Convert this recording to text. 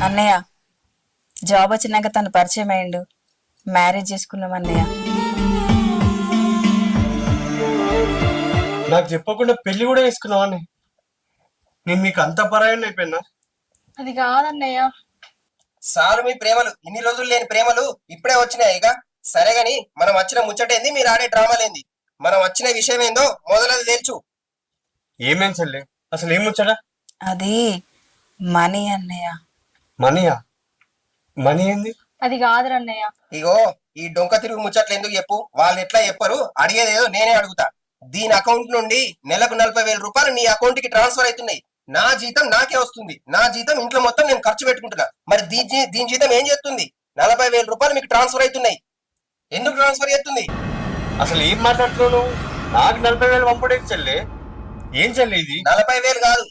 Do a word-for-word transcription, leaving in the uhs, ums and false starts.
అన్నయ్య జాబ్ వచ్చినాక తను పరిచయం అయ్యిండు, మ్యారేజ్ చేసుకున్నాం అన్నయ్య. నాకు చెప్పకుండా పెళ్లి కూడా చేసుకున్నావని నేను మీకు అంత పరాయణ అయిపోయినా. అది కాదన్నయ్య. సారు మీ ప్రేమలు ఇన్ని రోజులు లేని ప్రేమలు ఇప్పుడే వచ్చినాయి. ఇక సరే గాని మనం వచ్చిన ముచ్చటేంది, మీరు ఆడే డ్రామాలేంది? మనం వచ్చిన విషయం ఏందో మొదలది తెలుసు. ఏమేం చెల్లి, అసలు ఏం ముచ్చడా? అది మనీ అన్నయ్య. మనీయా? మనీ ఏంది? అది కాదురన్నయ్య. ఇగో ఈ డొంక తిరుగు ముచ్చట్లు ఎందుకు చెప్పు, వాళ్ళు ఎట్లా చెప్పరు, అడిగేదేదో నేనే అడుగుతా. దీని అకౌంట్ నుండి నెలకు నలభై వేల రూపాయలు నీ అకౌంట్ కి ట్రాన్స్ఫర్ అవుతున్నాయి. నా జీతం నాకే వస్తుంది. నా జీతం ఇంట్లో మొత్తం నేను ఖర్చు పెట్టుకుంటున్నా. మరి దీని దీని జీతం ఏం చేస్తుంది? నలభై వేల రూపాయలు మీకు ట్రాన్స్ఫర్ అవుతున్నాయి. ఎందుకు ట్రాన్స్ఫర్ చేస్తుంది? అసలు ఏం మాట్లాడుతున్నావు నువ్వు? నాకు నలభై వేలు పంపడేది చెల్లి. ఏం చెల్లి ఇది? నలభై వేలు కాదు,